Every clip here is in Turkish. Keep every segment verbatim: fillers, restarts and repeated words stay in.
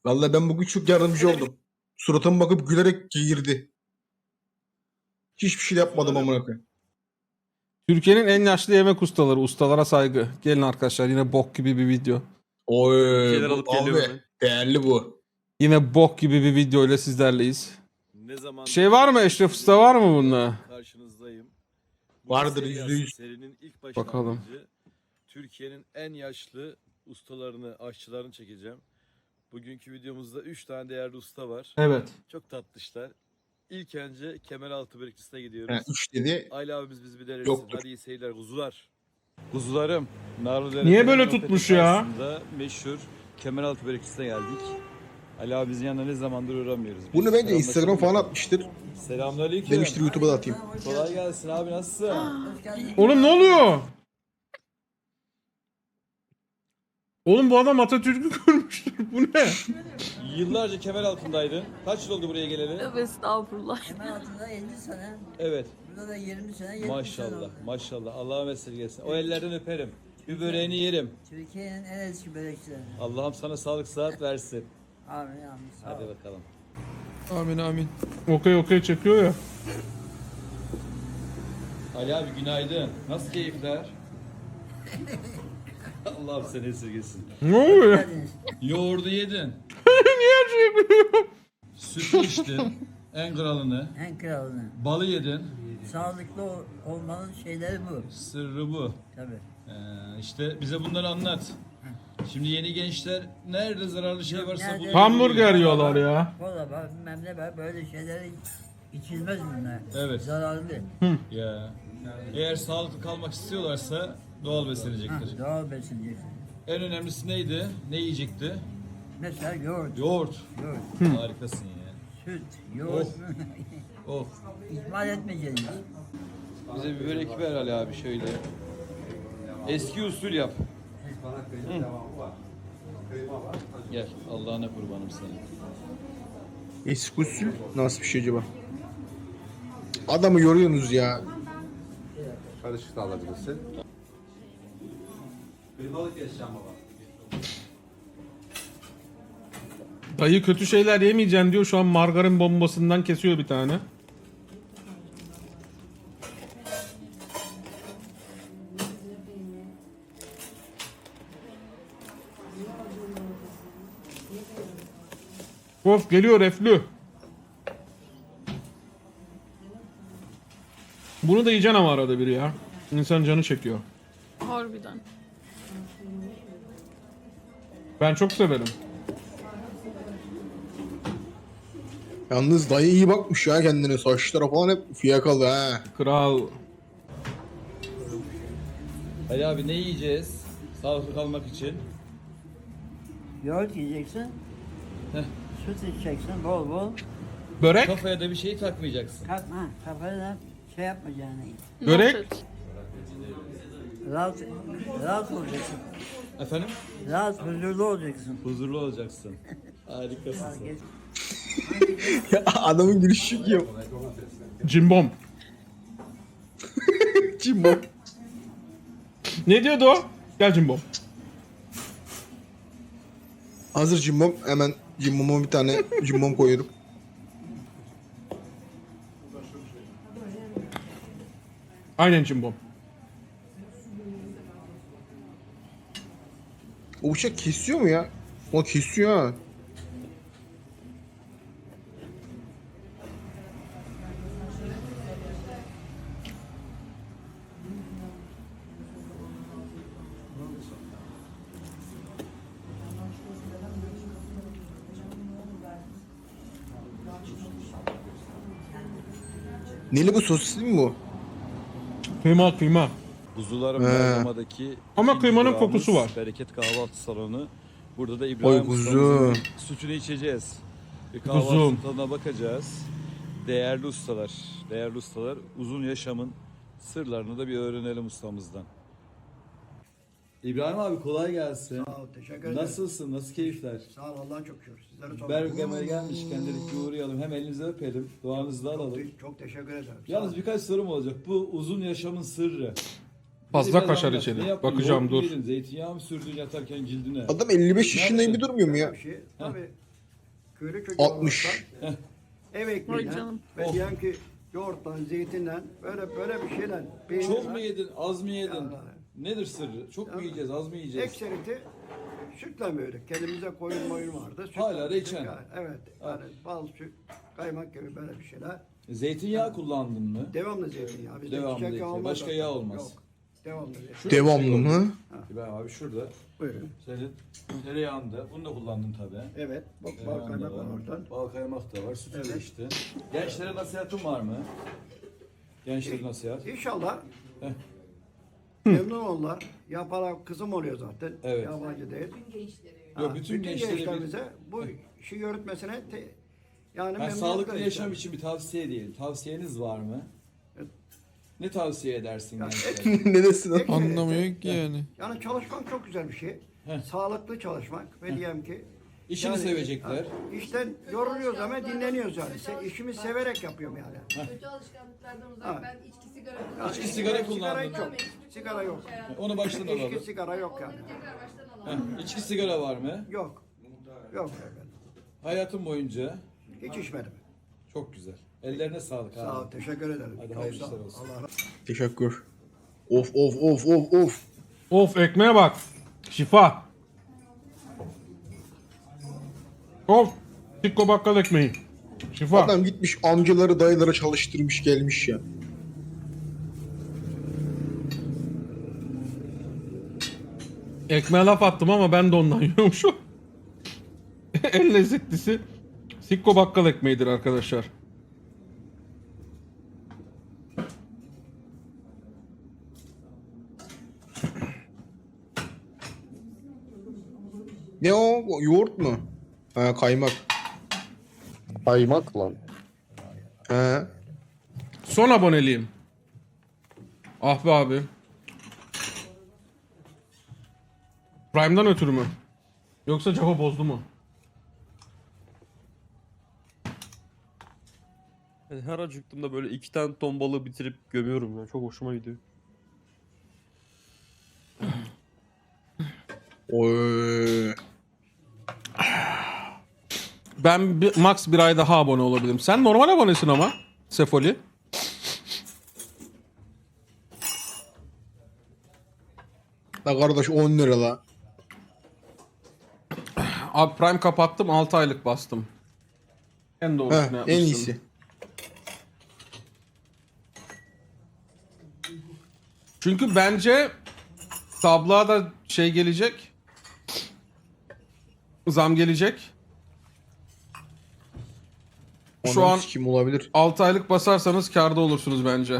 Vallahi ben bugün çok yardımcı oldum. Suratıma bakıp gülerek girdi. Hiçbir şey yapmadım amına koyayım. Türkiye'nin en yaşlı yemek ustaları. Ustalara saygı. Gelin arkadaşlar, yine bok gibi bir video. Oy Şeyler bu alıp geliyorum abi hemen. değerli bu. Yine bok gibi bir video ile sizlerleyiz. Ne zaman Şey var mı? Eşref Usta var mı bunda? karşınızdayım. Bu Vardır, seri yüzde aslında yüz. Serinin ilk başlangıcı. Bakalım. Türkiye'nin en yaşlı ustalarını, aşçılarını çekeceğim. Bugünkü videomuzda üç tane değerli usta var. Evet. Çok tatlışlar. İlk önce Kemeraltı Börekçisi'ne Ha, gidiyoruz. üç dedi. Ayla abimiz bizi bir denesin. Yoktur. Hadi iyi seyirler kuzular. Kuzularım. Narlıdere Niye böyle Tren tutmuş Nokta ya? karşısında meşhur Kemeraltı Börekçisi'ne geldik. Ali abimizin yanına ne zamandır uğramıyoruz. Bunu Biz bence Instagram falan selamlaşalım. atmıştır. Selamünaleyküm. Demiştir YouTube'a da atayım. Kolay gelsin abi, nasılsın? Oğlum ne oluyor? Oğlum bu adam Atatürk'ü kurmuştur. Bu ne? Yıllarca kemer altındaydın. Kaç yıl oldu buraya geleli? Tövbe estağfurullah. Hemen altında elli sene, Evet. burada da yirmi sene, yetmiş sene Maşallah, oldu. maşallah. Allah'a vesile gelsin. O ellerden öperim. Bir böreğini yerim. Türkiye'nin en eski börekçileri. Allah'ım sana sağlık sıhhat versin. Amin amin. Sağ Hadi ol. bakalım. Amin amin. Okey okey çekiyor ya. Ali abi günaydın. Nasıl keyifler? Allah'ım seni esirgesin. Ne oluyor ya? Geldiniz. Yoğurdu yedin. Niye şey yapıyor? Sütü içtin. En kralını. En kralını. Balı yedin. Sağlıklı ol- olmanın şeyleri bu. Sırrı bu. Tabii. Ee, işte bize bunları anlat. Şimdi yeni gençler nerede zararlı şey varsa Nerede? bunu Hamburger yiyorlar ya. Kola var, bilmem ne var, böyle şeyleri içilmez bunlar. Evet. Zararlı. Ya. Eğer sağlıklı kalmak istiyorlarsa doğal Ha, beslenecektir. doğal besineceksin. En önemlisi neydi? Ne yiyecekti? Mesela yoğurt, Yoğurt. yoğurt, Harikasın ya. süt, yoğurt. Oh. İhmal etmeyeceğiz. Bize bir börek ver Ali abi şöyle. Eski usul yap. Hı. Gel. Allah'ına kurbanım senin. Eski usul nasıl bir şey acaba? Adamı yoruyorsunuz ya. Karışık da alabilirsin. Dayı kötü şeyler yemeyeceksin diyor. Şu an margarin bombasından kesiyor bir tane. Of geliyor reflü. Bunu da yiyeceksin ama arada bir ya. İnsan canı çekiyor. Harbiden. Ben çok severim. Yalnız dayı iyi bakmış ya kendine. Saçlara falan hep fiyakalı ha. Kral. Ali abi ne yiyeceğiz? Sağlıklı kalmak için. Yoğurt yiyeceksin. Heh. Süt içeceksin bol bol. Börek. Kafaya da bir şey takmayacaksın. Kalkma, kafana şey yapmayacaksın. Börek. Noted. Rahat, rahat olacaksın. Efendim? Rahat, huzurlu olacaksın. Huzurlu olacaksın. Harikasın sen. Geç. Adamın gülüşü çok iyi. Cimbom. Kim bu? Ne diyordu o? Gel Cimbom. Hazır cimbom. Hemen cimboma bir tane cimbom koyuyorum. Aynen Cimbom. O bıçak kesiyor mu ya? O kesiyor ha. Neli bu sosisli mi bu? Kıyma kıyma. Kuzularım He. Bergama'daki Ama ikinci kıymanın durağımız kokusu var. Bereket Kahvaltı Salonu. Burada da İbrahim Oy kuzu. ustamızın sütünü içeceğiz. Bir kahvaltı Kuzum. tadına bakacağız. Değerli ustalar, değerli ustalar uzun yaşamın sırlarını da bir öğrenelim ustamızdan. İbrahim abi kolay gelsin. Sağ ol, teşekkür ederim. Nasılsın? Nasıl keyifler? Sağ ol, Allah'a çok şükür. Sizlere sormak. Bergama'ya gelmişken dedik bir uğrayalım. Hem elinizi öpelim. Duanızı da alalım. Çok, çok teşekkür ederim. Sağ Yalnız ol. birkaç sorum olacak. Bu uzun yaşamın sırrı. Fazla Biraz kaşar anlat. içeri. Ne yaptın? Bakacağım, Yoğurt mu dur. yedin? Zeytinyağı mı sürdün yatarken cildine? Adam elli beş yaşında Nerede? gibi durmuyor mu ya? Bir şey, tabii köylü çocuğu altmış. olaraktan ev Vay ekmeğiyle canım. ve Oh. diyelim ki yoğurttan, zeytinden böyle böyle bir şeyler. peynirle, Çok mu yedin, az mı yedin? Yani. Nedir sırrı? Çok mu Yani. yiyeceğiz, az mı yiyeceğiz? Ekseriti sütle büyüdük. Kendimize koyun moyun vardı. Sütle Hala büyüdük. reçel. Yani, evet. Yani bal, süt, kaymak gibi böyle bir şeyler. Zeytinyağı kullandın mı? Devamlı zeytinyağı. Bizde Devamlı çiçek zeytinyağı. olmaz Başka zaten. yağ olmaz. Yok. Devamlı zeytinyağı. Şurada Devamlı bir şey mı? gördüm. Ben abi şurada. Buyurun. Senin tereyağında. Bunu da kullandın tabii. Evet. Bak bal Tereyağında kaymak var. var oradan. Bal kaymak da var. Sütü de Evet. içtin. Gençlere nasihatın var mı? Gençlere nasihat. İnşallah Heh. memnun onlar. Yaparak kızım oluyor zaten. Evet. Yabancı değil. Yok, Ha, bütün gençlere bir- gençlerimize bu işi yürütmesine te, yani Yani memnuniyet sağlıklı veriyor. yaşam için bir tavsiye diyelim. Tavsiyeniz var mı? Evet. Ne tavsiye edersin Yani gençlere? Ne desin? Ekserite- Anlamıyor ki yani. Yani çalışmak çok güzel bir şey. Heh. Sağlıklı çalışmak ve diyelim ki İşini yani, sevecekler. ha, işten yoruluyoruz ama dinleniyoruz yani. Se, işimi severek yapıyorum yani. Kötü alışkanlıklardan uzak. Ha. Ben içki sigara Ha, İçki, sigara Sigara kullandın. yok. Sigara yok. Onu baştan İçki alalım. sigara yok yani. Onları tekrar baştan alalım. Heh, İçki sigara var mı? Yok. Yok efendim. Hayatın boyunca Hiç içmedim. çok güzel. Ellerine sağlık Sağ ol. abi. Teşekkür ederim. Hadi Çok hayırlı sağ ol. işler olsun. Allah razı olsun. Teşekkür. Of of of of of. Of ekmeğe bak. Şifa. Of. Sikko bakkal ekmeği. Şifa. Adam gitmiş amcaları dayıları çalıştırmış gelmiş ya. Ekmeğe laf attım ama ben de ondan yiyormuşum. En lezzetlisi Sikko bakkal ekmeğidir arkadaşlar. Ne o? O yoğurt mu? Ha kaymak. Kaymak lan. He. Son aboneliğim. Ah be abi. Prime'dan ötürü mü? Yoksa Java bozdu mu? Yani her acıktığımda böyle iki tane ton balığı bitirip gömüyorum ya. Çok hoşuma gidiyor. Oy. Ben bir, max bir ay daha abone olabilirim. Sen normal abonesin ama. Sefoli. La kardeş on lira la. Abi Prime kapattım altı aylık bastım. En doğrusunu Heh, yapmışsın. en iyisi. Çünkü bence tabloğa da şey gelecek. Zam gelecek. Şu an kim olabilir? altı aylık basarsanız kârda olursunuz bence.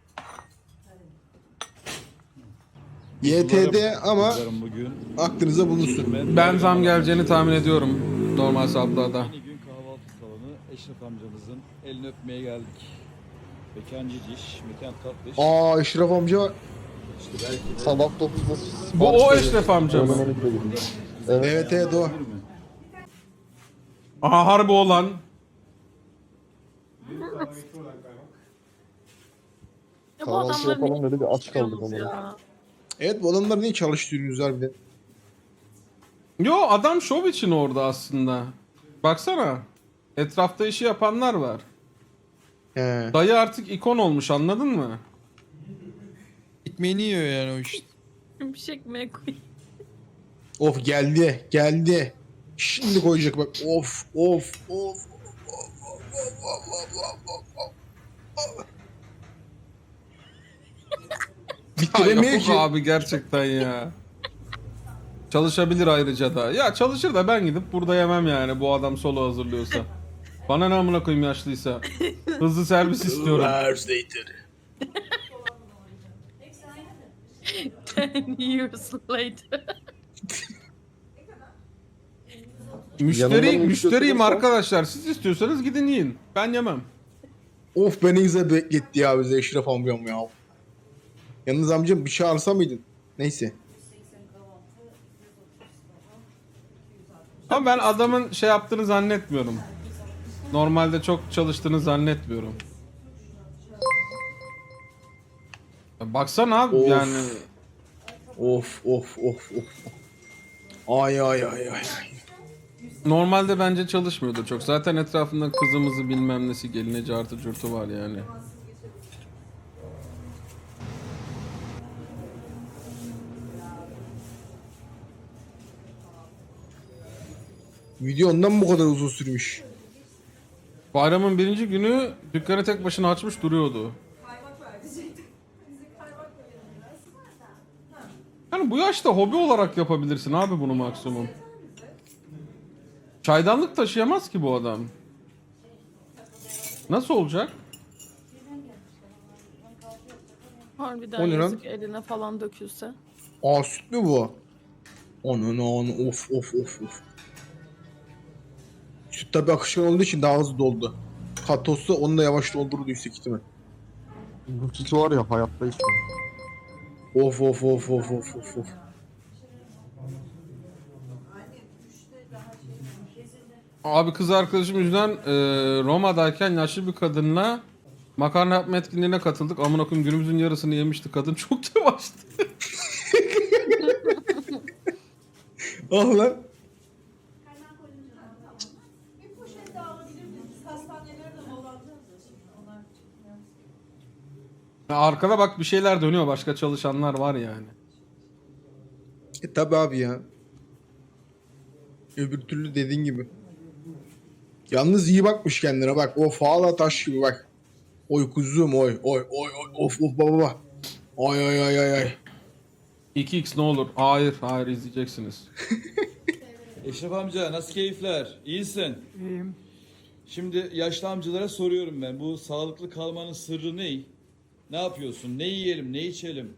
Y T D ama Kızlarım bugün. aklınıza bulunsun. Ben zam geleceğini tahmin ediyorum normal tabloda. Yeni gün kahvaltı salonu Eşref amcamızın elini öpmeye geldik. Mekan ciciş, mekan tatlış. Aa Eşref amca İşte belki de Sabah dokuzda Bu o Eşref amca mı? evet evet o. Aha harbi olan. Ya bu Kahvaltı adamları yapalım niye dedi bir aç kaldık yapıyorsunuz ama. ya? Evet bu adamlar niye çalıştırıyorsunuz harbiden? Yo adam şov için orada aslında. Baksana. Etrafta işi yapanlar var. He. Dayı artık ikon olmuş anladın mı? Ekmeğini yiyor yani o işte. Bir şey ekmeğe koy. Of geldi geldi. Şimdi koyacak bak. Of of of. Ya Bitiremiyor yapık ki. abi gerçekten ya. Çalışabilir ayrıca da. Ya çalışır da ben gidip burada yemem yani bu adam solo hazırlıyorsa. Bana ne amına koyayım yaşlıysa. Hızlı servis istiyorum. Ten years later. Müşteri, Yanından müşteriyim götürürsen- arkadaşlar. Siz istiyorsanız gidin yiyin. Ben yemem. Of beni güzel bekletti ya bize Eşref amcam ya. Yalnız amcam bir çağırsa mıydın? Neyse. Ama ben adamın şey yaptığını zannetmiyorum. Normalde çok çalıştığını zannetmiyorum. Ya baksana abi Of. yani. Of of of of. Ay ay ay ay. ay. Normalde bence çalışmıyordur çok. Zaten etrafında kızımızı bilmem nesi gelineci artı curtu var yani. Video ondan bu kadar uzun sürmüş. Bayramın birinci günü dükkanı tek başına açmış duruyordu. Yani bu yaşta hobi olarak yapabilirsin abi bunu maksimum. Çaydanlık taşıyamaz ki bu adam. Nasıl olacak? Harbiden O ne lan? yazık eline falan dökülse. Aa süt mü bu? Onun onun of of of of. Süt tabi akışkan olduğu için daha hızlı doldu. Katos'ta onu da yavaş doldurdu yüksek ihtimal. Bu sütü var ya hayatta içmem. Of of of of of of of. Abi kız arkadaşım yüzünden e, Roma'dayken yaşlı bir kadınla makarna yapma etkinliğine katıldık. Amına koyayım günümüzün yarısını yemişti kadın. Çok yavaştı. Ah lan. Bir poşet daha alabilir miyiz? Hastaneleri de dolandıracağız şimdi. Onlar Ya arkada bak bir şeyler dönüyor. Başka çalışanlar var yani. E tabi abi ya. Öbür türlü dediğin gibi. Yalnız iyi bakmış kendine bak. O faala taş gibi bak. Oy kuzum oy oy oy oy of of baba. Ay ay ay ay ay. iki x ne olur? Hayır, hayır izleyeceksiniz. Eşref amca nasıl keyifler? İyisin. İyiyim. Şimdi yaşlı amcalara soruyorum ben. Bu sağlıklı kalmanın sırrı ne? Ne yapıyorsun? Ne yiyelim, ne içelim?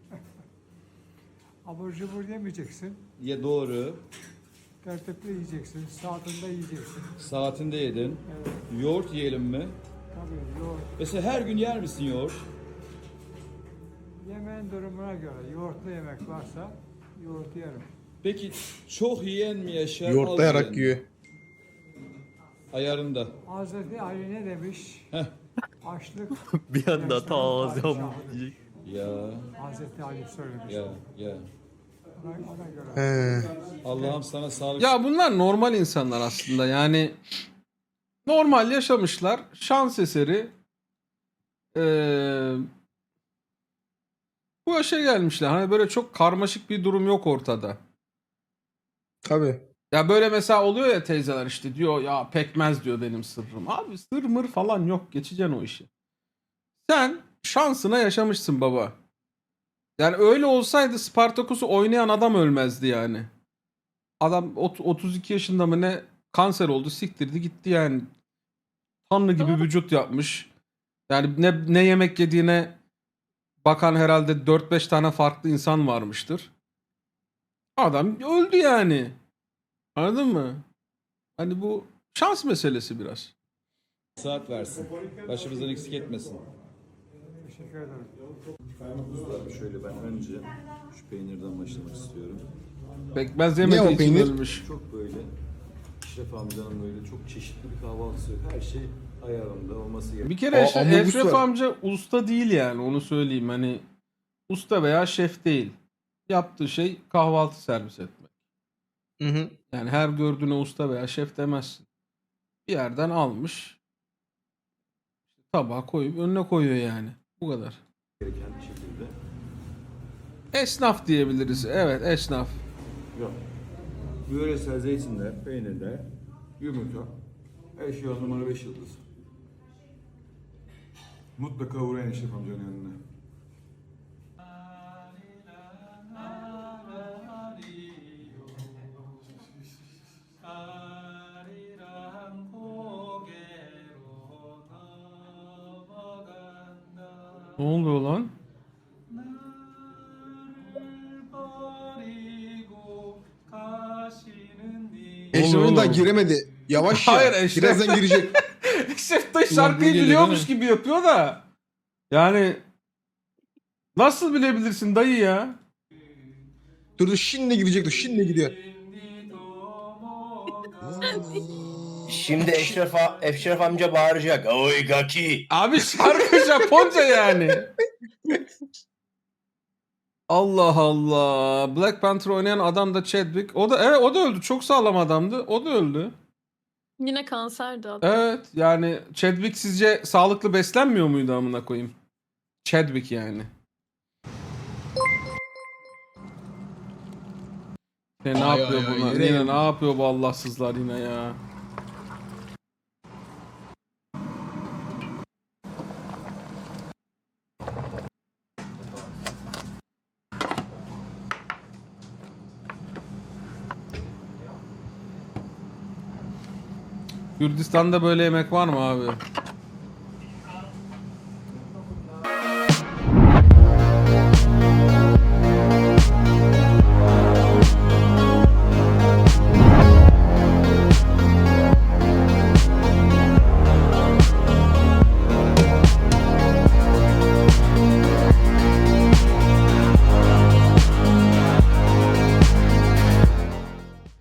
Abur cubur yemeyeceksin. Ya doğru. Tertipli yiyeceksin. Saatinde yiyeceksin. Saatinde yedin. Evet. Yoğurt yiyelim mi? Tabii yoğurt. Mesela her gün yer misin yoğurt? Yemeğin durumuna göre yoğurtlu yemek varsa yoğurt yerim. Peki çok yiyen mi yaşar? az Yoğurtlayarak yiyen mi? yiyor. Ayarında. Hazreti Ali ne demiş? Heh. Açlık. Bir anda yaşların ta ağzım padişahıdır. diyecek. Ya, Hazreti Ali söylemiş. ya, ya. Ona, ona göre. He. Allah'ım sana sağlık. Ya bunlar normal insanlar aslında. Yani normal yaşamışlar. Şans eseri ee, bu yaşa gelmişler. Hani böyle çok karmaşık bir durum yok ortada. Tabi. Ya böyle mesela oluyor ya teyzeler işte diyor ya pekmez diyor benim sırrım. Abi sır mır falan yok. Geçeceksin o işi. Sen şansına yaşamışsın baba. Yani öyle olsaydı Spartaküs'ü oynayan adam ölmezdi yani. Adam ot- otuz iki yaşında mı ne kanser oldu siktirdi gitti yani. Tanrı gibi Doğru. vücut yapmış. Yani ne, ne yemek yediğine bakan herhalde dört beş tane farklı insan varmıştır. Adam öldü yani. Anladın mı? Hani bu şans meselesi biraz. Saat versin. Başımızdan eksik etmesin. Teşekkür ederim. Şöyle ben önce şu peynirden başlamak istiyorum. Pekmez Ne o yemediği için peynir? ölmüş. Çok böyle Eşref amcanın böyle çok çeşitli bir kahvaltısı. Her şey ayarında olması gerekiyor. Bir kere Aa, Eşref, ambulans Eşref var. amca usta değil yani onu söyleyeyim. Hani usta veya şef değil. Yaptığı şey kahvaltı servis etmek. Hı hı. Yani her gördüğüne usta veya şef demezsin. Bir yerden almış. Tabağa koyup önüne koyuyor yani. Bu kadar. Gereken bir şekilde. Esnaf diyebiliriz. Evet esnaf. Yok. Yöresel zeytinler, peynirler, yumurta, her şey on numara beş yıldız. Mutlaka uğrayın Eşref amcanın yanına. Ne oluyor lan? Eşref'in daha oğlum? giremedi. Yavaş ya. Hayır, Eşref. Birazdan girecek. Eşref de Ulan şarkıyı böyle geliyor, biliyormuş değil gibi yapıyor da. Yani nasıl bilebilirsin dayı ya? Dur dur şimdi girecek dur. Şimdi gidiyor. Şimdi Eşref, a- Eşref amca bağıracak. Oy gaki. Abi şarkı Japonca yani. Allah Allah. Black Panther oynayan adam da Chadwick. O da evet o da öldü. Çok sağlam adamdı. O da öldü. Yine kanserdi adam. Evet yani Chadwick sizce sağlıklı beslenmiyor muydu amına koyayım? Chadwick yani. Ne, ne Ay, yapıyor ay, ay, bunlar? yine Yine yedim. ne yapıyor bu Allahsızlar yine ya? Kürdistan'da böyle yemek var mı abi?